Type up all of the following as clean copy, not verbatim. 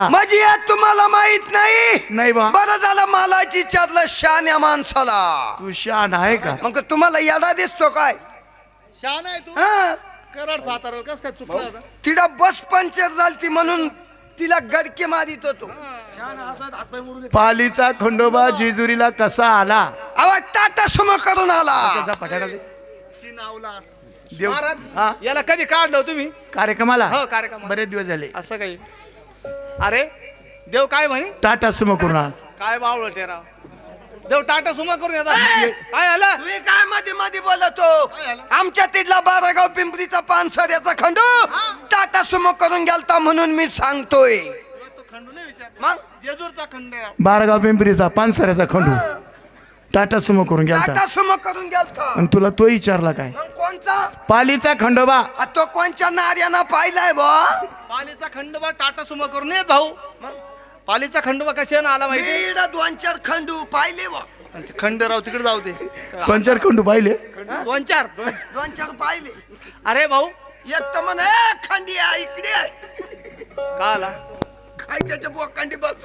माझी यात तुम्हाला माहित नाही. नाही बा. बरं झालं मला विचारलं शान्या माणसाला. तू शान आहे का? मग तुम्हाला यादा दिसतो काय? शान आहे तू. हा? कराड सातारा कस काय चुकला आता? तिला बस पंक्चर झालती म्हणून तिला गडके मारित होतो. पालीचा खंडोबा जेजुरीला कसा आला? अहो टाटा सुमो करून आला. त्याचा पठारा दे. चिनावला देव हा महाराज याला कधी काढलं हो तुम्ही? कार्यक्रमाला हो कार्यक्रम. बरेच दिवस झाले. असं काही अरे देव काय म्हणे? टाटा सुमो करून आला. काय बावळ टेराव देव टाटा सुमा करून येतात. काय आला? तुम्ही काय मध्ये मध्ये बोलतो? काय झालं? आमच्या तिथला बारागाव पिंपरीचा पानसऱ्याचा खंडू टाटा सुमो करून गेलता म्हणून मी सांगतोय. तो खंडू नाही विचार. मग जेजूरचा खंड आहे राव. बारागाव पिंपरीचा पानसऱ्याचा खंडू टाटा सुमो करून गेलता. टाटा सुमो करून गेलता. आणि तुला तो विचारला काय? मग कोणचा? पालीचा खंडोबा. तो कोणच्या नार्यानं पाहिलाय बा? पालीचा खंडोबा टाटा सुमा करून येत भाऊ. पालीचा खंडोबा कशाने आला माहिती? मी इकडं दोन चार खंडू पाहिले बा. खंडराव तिकडे जाऊ दे. दोन चार खंडू पाहिले. दोन चार. दोन चार पाहिले. अरे भाऊ एक तर म्हणे खंडिया इकडे आहे. का आला? काय त्याच्या बोकांडी बस.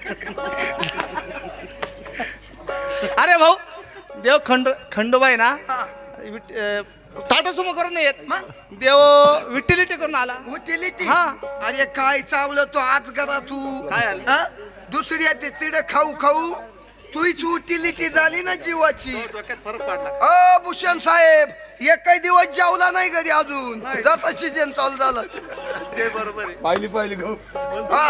अरे भाऊ देव खंडोबा आहे ना हा. टाटा सुमो करून नाही येत. मग देव विठ्ठलिटी करून आला. उचलिटी. हा. अरे काय चावलं तो आज करा तू. काय आलं? हा? दुसऱ्या ते तिड खाऊ खाऊ तुझीच उटिलिटी झाली ना जीवाची. डोक्यात फरक पडला. अ भूषण साहेब एकही दिवस जेवला नाही घरी अजून. जसं सीजन चालू झालं. ते बरोबर आहे. पाहिली पाहिली गो. हा.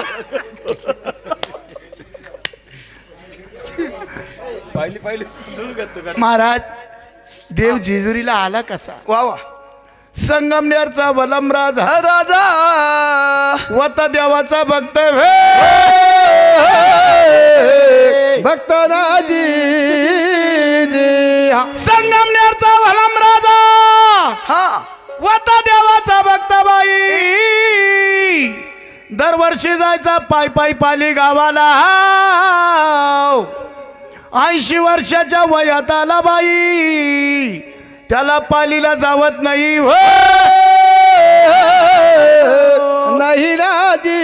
पाहिली पाहिली. महाराज देव जेजुरीला आला कसा? वा वा. संगमनेरचा बलम राजा राजा वता देवाचा भक्त भक्त संगमनेरचा बलम राजा हा. वता देवाचा भक्त बाई दरवर्षी जायचा पाय पाय पाली गावाला. 80 वर्षाच्या वयात आला बाई त्याला पालीला जावत नाही हो. नाही राजी.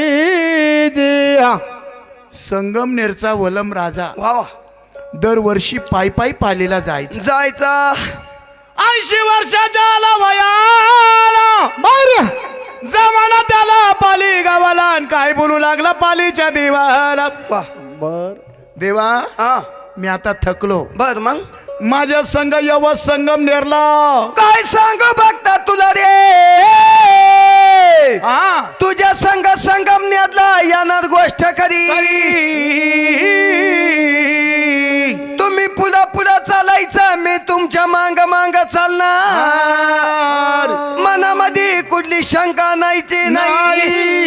संगमनेरचा वलम राजा वा वा. दरवर्षी पाय पाय पालीला जायचा. जायचा 80 वर्षाच्या आला वयाला बर जमाना त्याला पाली गावाला आणि काय बोलू लागला पालीच्या देवाला. वा. बर देवा हा. मी आता थकलो. बर मग माझ्या संघ यव संगमनेरला काय सांगू बघता तुला रे. हा तुझ्या संघ संगमनेरला येणार गोष्ट खरी. तुम्ही पुला पुला चालायचं मी तुमच्या मांग मांग चालणार. मनामध्ये कुठली शंका नाहीची नाही.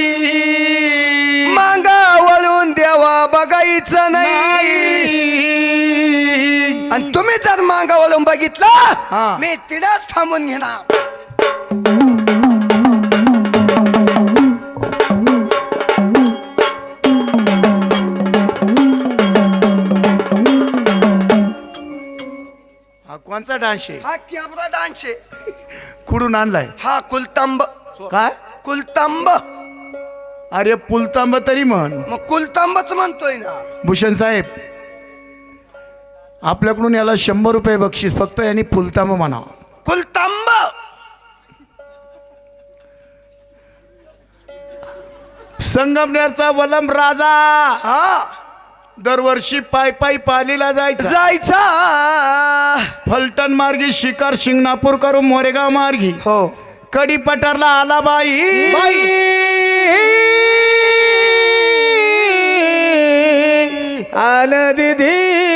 मांगा वळून देवा बघायचं नाही. आणि तुम्ही जर मांगा वळून बघितला मी तिलाच थांबून घेणार. हा कोणचा डान्स आहे? हा कॅबरा डान्स आहे. कुठून आणलाय? हा कुलतंब. काय? कुलतंब. अरे पुलतांब तरी म्हण. मग कुलतंबच म्हणतोय ना. भूषण साहेब आपल्याकडून याला 100 रुपये बक्षीस फक्त यांनी पुलतांब म्हणा. कुलतंब. संगमनेरचा वलम राजा हा. दरवर्षी पाय पाय पालीला जायचा. जायचा. फलटण मार्गी शिकार शिंगणापूर करून मोरेगाव मार्गी हो कडी पठारला आला बाई. आलं दिदी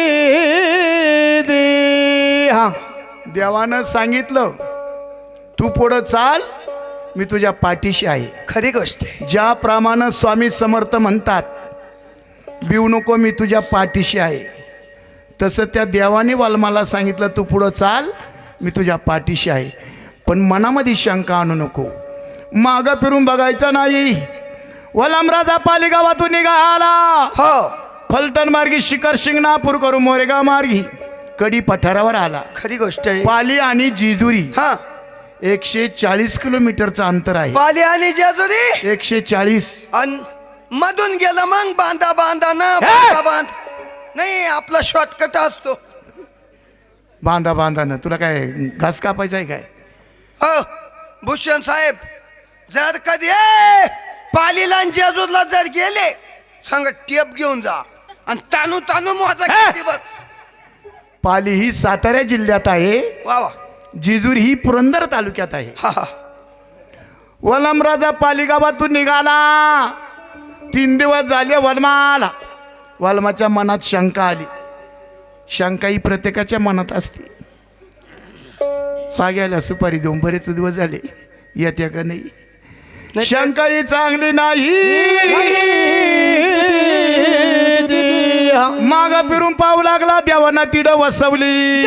हा. देवानं सांगितलं तू पुढं चाल मी तुझ्या पाठीशी आहे. खरी गोष्ट आहे. ज्याप्रमाणे स्वामी समर्थ म्हणतात बिऊ नको मी तुझ्या पाठीशी आहे तसं त्या देवाने वाल्माला सांगितलं तू पुढं चाल मी तुझ्या पाठीशी आहे. पण मनामध्ये शंका आणू नको. मागं फिरून बघायचं नाही. वलमराजा पाली गावातून निघाला. हो फलटण मार्गी शिखर शिंगणापूर करून मोरेगाव मार्गी कडी पठारावर आला. खरी गोष्ट आहे. पाली आणि जेजुरी हा. 140 किलोमीटरचं अंतर आहे. पाली आणि जेजुरी 140. अन मधून गेलं मग बांधा बांधा ना बांधा बांध नाही आपला शॉर्टकट असतो. बांधा बांधा तुला काय घास कापायचा आहे काय? हो भूषण साहेब जर कधी पालीला आणि जेजूरला जर गेले सांग टेप घेऊन जा आणि तानू तानू मोजा किती बघ. पाली ही सातारा जिल्ह्यात आहे, वा वा जिजूर ही पुरंदर तालुक्यात आहे. हा हा वलमराजा पाली गावातून निघाला. 3 दिवस झाले वलमाला. वलमाच्या मनात शंका आली. शंका ही प्रत्येकाच्या मनात असते. पाग्याला सुपारी देऊन बरेच दिवस झाले, येत्या का नाही? शंका ही चांगली नाही. माग फिरून पाहू लागला, देवाना तिड वसवली.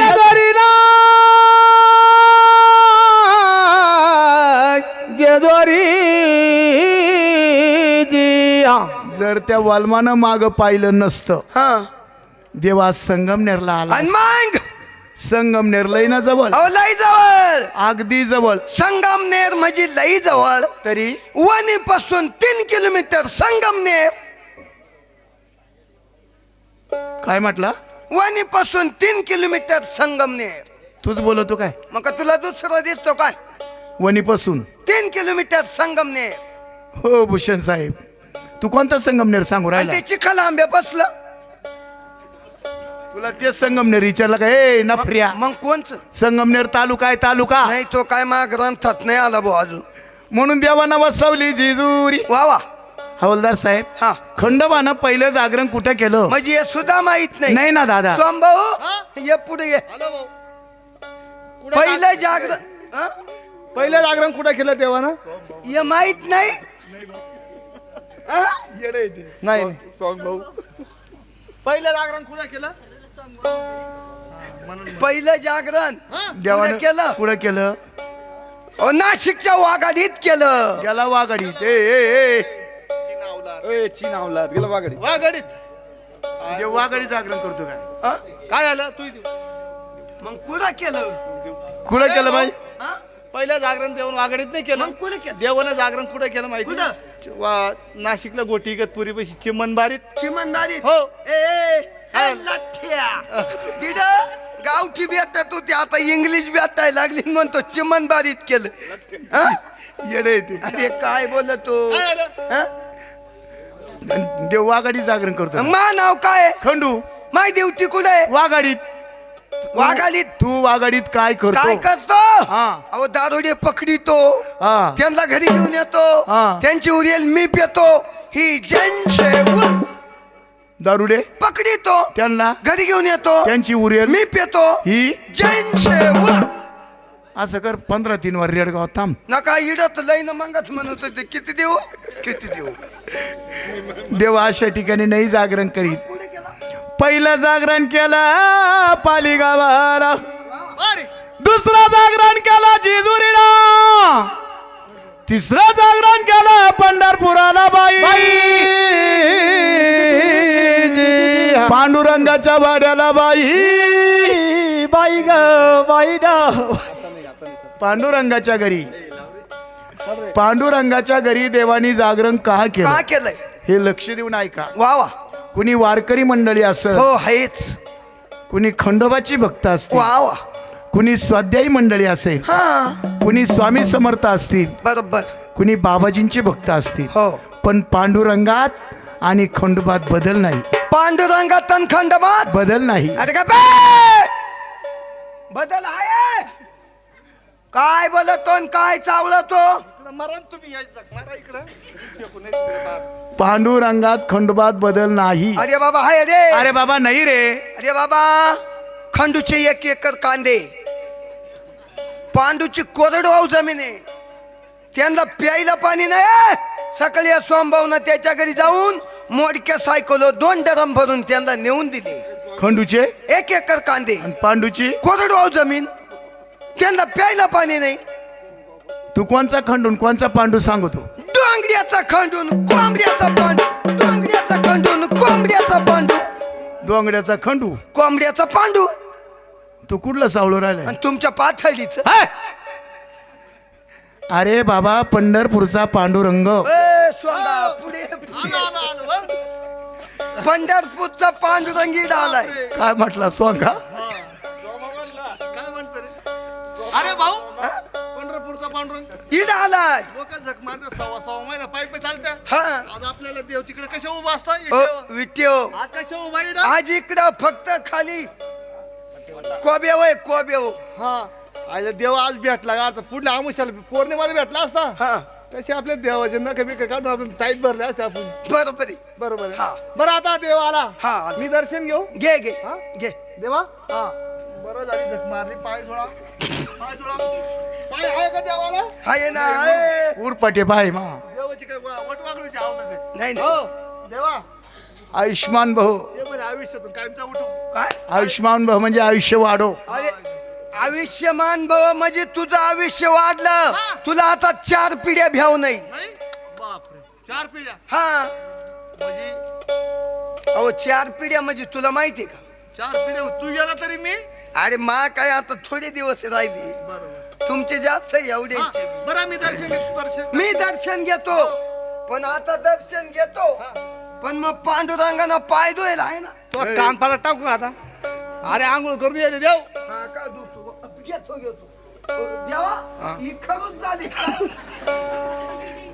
जर त्या वाल्मानं माग पाहिलं नसतं, हा देवा संगमनेरला आला. आणि मग संगमनेर लई ना जवळ, अहो लई जवळ. अगदी जवळ. संगमनेर म्हणजे लई जवळ. तरी वणी पासून 3 किलोमीटर संगमनेर. काय म्हटला? वणी पासून 3 किलोमीटर संगमनेर. तूच बोलतो काय? मग का तुला दुसरा दिसतो काय? वणीपासून 3 किलोमीटर संगमनेर. हो भूषण साहेब, तू कोणता संगमनेर सांगू आणि राहिला? ते चिखल आंब्या बसलं. तुला ते संगमनेर विचारलं का? ए नफऱ्या, मग कोणचं? संगमनेर तालुका आहे, तालुका. नाही तो काय मा ग्रंथात नाही आला भाऊ अजून. म्हणून देवानं वसवली जिजुरी. वा वा. हवलदार साहेब, हा खंडोबानं पहिलं जागरण कुठं केलं? म्हणजे हे सुद्धा माहित नाही. नाही ना दादा. स्वामभाऊ ये पुढे ये. हॅलो भाऊ. पहिलं जागरण हा? पहिलं जागरण कुठं केलं तेव्हा ना? हे माहित नाही हा? नाही भाऊ. पहिलं जागरण कुठं केलं? पहिलं जागरण देवानं कुठं केलं? कुठं केलं? अहो, नाशिकच्या वाघाडीत केलं. गेला वाघाडी. ए वाघाडीत. देव वाघाडी जागरण करतो काय? हा? काय झालं तू? मग कुठं केलं? कुठं केलं बाई? हा? पहिलं जागरण देऊन वाघाडीत नाही केलं. मग कुठं केलं? देवानं जागरण कुठं केलं माहिती? नाशिकला गोटी इगतपुरी पैसे चिमणबारीत. चिमणदारीत. हो. ए लठ्ठ्या तिथं गावठी बेतात होती, आता इंग्लिश बेतायला लागली म्हणतो चिमणबारीत केलं. हा? येडे ते अरे काय बोलतो? काय झालं? हा? देव वाघाडी जागरण करतो. मा नाव काय? खंडू माय देवटी कुठे? वाघाडीत. वाघाडीत. तू वाघाडीत काय काय करतो? करतो? हा. अहो दारोडे पकडितो, हा. त्यांना घरी घेऊन येतो, हा. त्यांची उरेल मी पितो. ही जनसेवा. दारुडे पकडितो, त्यांना घरी घेऊन येतो, त्यांची उरेल मी पितो. ही. जनसेवा. असं कर, 15-3 वर रेडगाव थांब. नका इडत लईन मगच म्हणत होते किती देऊ किती देऊ. देव अशा ठिकाणी नाही जागरण करीत. पुढे गेला. पहिलं जागरण केलं पाली गावाला, अरे दुसरं जागरण केलं जिजुरीला, तिसरं जागरण केलं पंढरपुराला बाई. पांडुरंगाच्या वाड्याला बाई. बाई ग बाई ग. पांडुरंगाच्या घरी, पांडुरंगाच्या घरी देवानी जागरण का केलं का केलंय? हे लक्ष देऊन ऐका. वा वा. कुणी वारकरी मंडळी असं, हो आहेच. कुणी खंडोबाची भक्त असतील, वा वा. कुणी स्वाध्यायी मंडळी असेल, हा कुणी स्वामी समर्थ असतील, बरोबर. कुणी बाबाजींचे भक्त असतील. हो. पण पांडुरंगात आणि खंडोबात बदल नाही. पांडुरंगात आणि खंडोबात बदल नाही. अरे का बे? बदल आहे. काय बोलतो आणि काय चावलतो? मरण तुम्ही यायचं मारा इकडं. पांडुरंगात खंडोबात बदल नाही. अरे बाबा हाय रे. अरे बाबा नाही रे. अरे बाबा खंडूचे 1 एकर कांदे, पांडूची कोरडवाहू जमीन आहे, त्यांना प्यायला पाणी नाही. सकाळी या सोमभावना त्याच्या घरी जाऊन मोडक्या सायकलो 2 ड्रम भरून त्यांना नेऊन दिले. खंडूचे 1 एकर कांदे, आणि पांडूची कोरडवाहू जमीन, त्यांना प्यायला पाणी नाही. तू कोणचा खंडून कोणचा पांडू सांगतो? डोंगऱ्याचा खंडून कोंबड्याचा पांडू, डोंगऱ्याचा खंडून कोंबड्याचा पांडू, डोंगड्याचा खंडू. कोंबड्याचा पांडू. तू कुठला सावळू राहिलाय? आणि तुमच्या पाथळीच हाय! अरे बाबा पंढरपूरचा पांडुरंग. ए, सोंगा पुढे आलो आलो आलो बघ. पंढरपूरचा पांडुरंगी डालाय. काय म्हटला सोंगा? काय म्हणतो रे? अरे भाऊ पंढरपूरचा पांडुरंग इड आलाय. लोक झक मारते सव्वा महिना पायी चालत्या. हा आज आपल्याला देव तिकडे कशा उभा असता विट्यो आज कशा उभा इकडं? आज इकडं फक्त खाली कोब्या वय कोब्या. हा आयला देव आज भेटला का? आता पुढल्या आमुष्याला पौर्णिमाला भेटला असता. हा तसे आपल्या देवाचे नख बिक काढून आपण टाईट भरले असते आपण. बरोबर आहे. बरोबर आहे. हा. बरं आता देव आला. हा आला. मी दर्शन घेऊ घे घे हा? घे. देवा हा बरं झाली झक मारली. पाय जोडा पाय जोडा. पाय आहे का देवाला? हाय ना. ए. उरपटे बाय मा. देवाची काय वटवागळूची आवडत आहे. नाही नाही. हो देवा आयुष्मान भाऊ. ये म्हणजे आयुष्यातून कायमचा उठू. काय आयुष्मान भाऊ म्हणजे आयुष्य वाढो. अरे आयुष्यमान भव म्हणजे तुझं आयुष्य वाढलं. हा. तुला आता 4 पिढ्या भ्याव नाही. नाही बापरे 4 पिढ्या हा म्हणजे अहो 4 पिढ्या म्हणजे तुला माहितीये का? 4 पिढ्या तू गेला तरी मी. अरे मा काय आता थोडे दिवस राहिले. बरोबर. तुमचे जास्त एवढे. हा, बरं मी दर्शन घेतो दर्शन. मी दर्शन घेतो पण आता दर्शन घेतो पण मग पांडुरंगानं पाय धुईल आहे ना. तो कान पाला टाकू आता. अरे आंघोळ करून येते देव. हा का धुतो घेतो घेतो. देवा ही खरंच झाली का?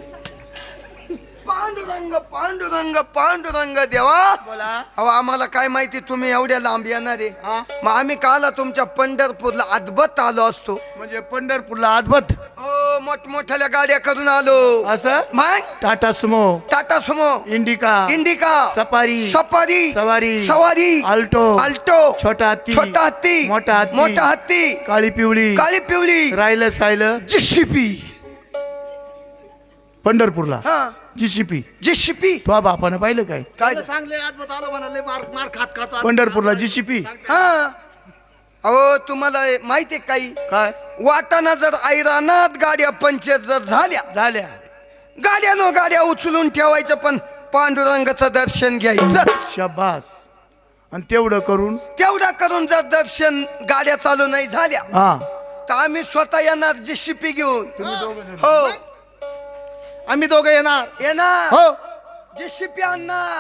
पांडुरंग पांडुरंग पांडुरंग देवा. बोला. अहो आम्हाला काय माहिती तुम्ही एवढ्या लांब येणार आहे. हा मग आम्ही काला तुमच्या पंढरपूरला अद्भुत आलो असतो. म्हणजे पंढरपूरला अद्भुत हो मोठमोठ्या गाड्या करून आलो. असं मग टाटा सुमो, टाटा सुमो, इंडिका, इंडिका, सफारी, सफारी, सवारी, सवारी, अल्टो, अल्टो, छोटा हत्ती, छोटा हत्ती, मोठा हत्ती, मोठा हत्ती, काळी पिवळी, काळी पिवळी, राहिलं सायलं जिशिपी. पंढरपूरला हा जीसीपी. जिशिपी तो बापानं पाहिलं काय? काय त्याला सांगले अद्भुत आलो म्हणाले. मार मार खात खातो. पंढरपूरला जीसीपी. हा अहो तुम्हाला माहितीये काही काय वाटाणा जर ऐरानात गाड्या पंचर जर झाल्या झाल्या? गाड्यानो गाड्या उचलून ठेवायचं पण पांडुरंगाचं दर्शन घ्यायचं. शबास. आणि तेवढं करून तेवढा करून जर दर्शन गाड्या चालू नाही झाल्या हा तर आम्ही स्वतः येणार जिशिपी घेऊन. तुम्ही दोघं जण. हो आम्ही दोघं येणार. येणार हो जिशिपी आणणार.